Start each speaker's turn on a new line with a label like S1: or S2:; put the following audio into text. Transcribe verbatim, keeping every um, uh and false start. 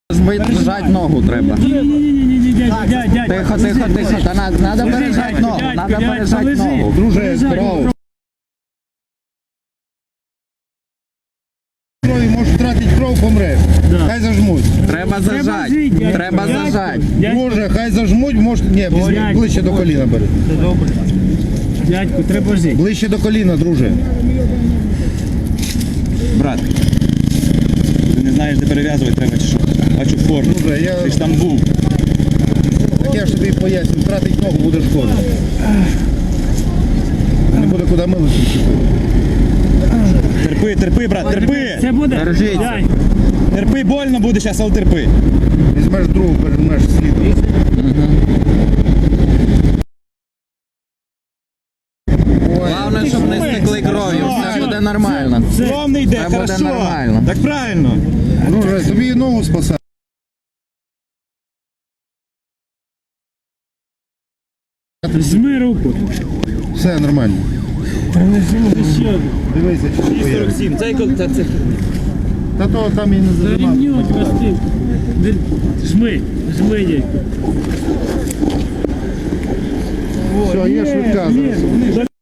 S1: Зжать ногу треба.
S2: Ні-ні-ні, дядь, дядь, дядь.
S1: Тихо, тихо, тихо. Та надо, надо пережать ногу. Надо пережать ногу.
S3: Друже, кров. Крові можеш втратити кров, помреш. Хай зажмуть.
S1: Треба зажать. Треба зажать.
S3: Друже, хай зажмуть, може... Ні, візьми, ближче до коліна бери.
S2: Це добре. Дядьку, треба жити.
S3: Ближче до коліна, друже.
S4: Брат, ти не знаєш, де перев'язувати треба чи що? Бачу форму.
S3: Друже, я...
S4: Ти ж там був.
S3: Так я ж тобі поясню, втратить ногу буде шкода. Не буде куди милити.
S4: Терпи, терпи, брат, терпи!
S2: Це буде.
S1: Держіться.
S2: Дядь.
S4: Терпи, больно буде зараз, але терпи.
S3: Візьмеш другу, пережмеш слідом.
S1: Головне, щоб не стекли кров'ю. Все буде нормально.
S4: Кров не йде,
S1: Це буде
S4: хорошо.
S1: нормально.
S4: Так правильно.
S3: Друже, тобі і ногу спасає.
S2: Жми руку.
S3: Все нормально.
S2: Ще.
S3: Дивися, чи не поїде.
S4: сорок сім, це це це.
S3: Та то там і не зажимав.
S2: Зарівнюють вас тим. Жми, жми, дядьку.
S3: Все, є швидка зараз.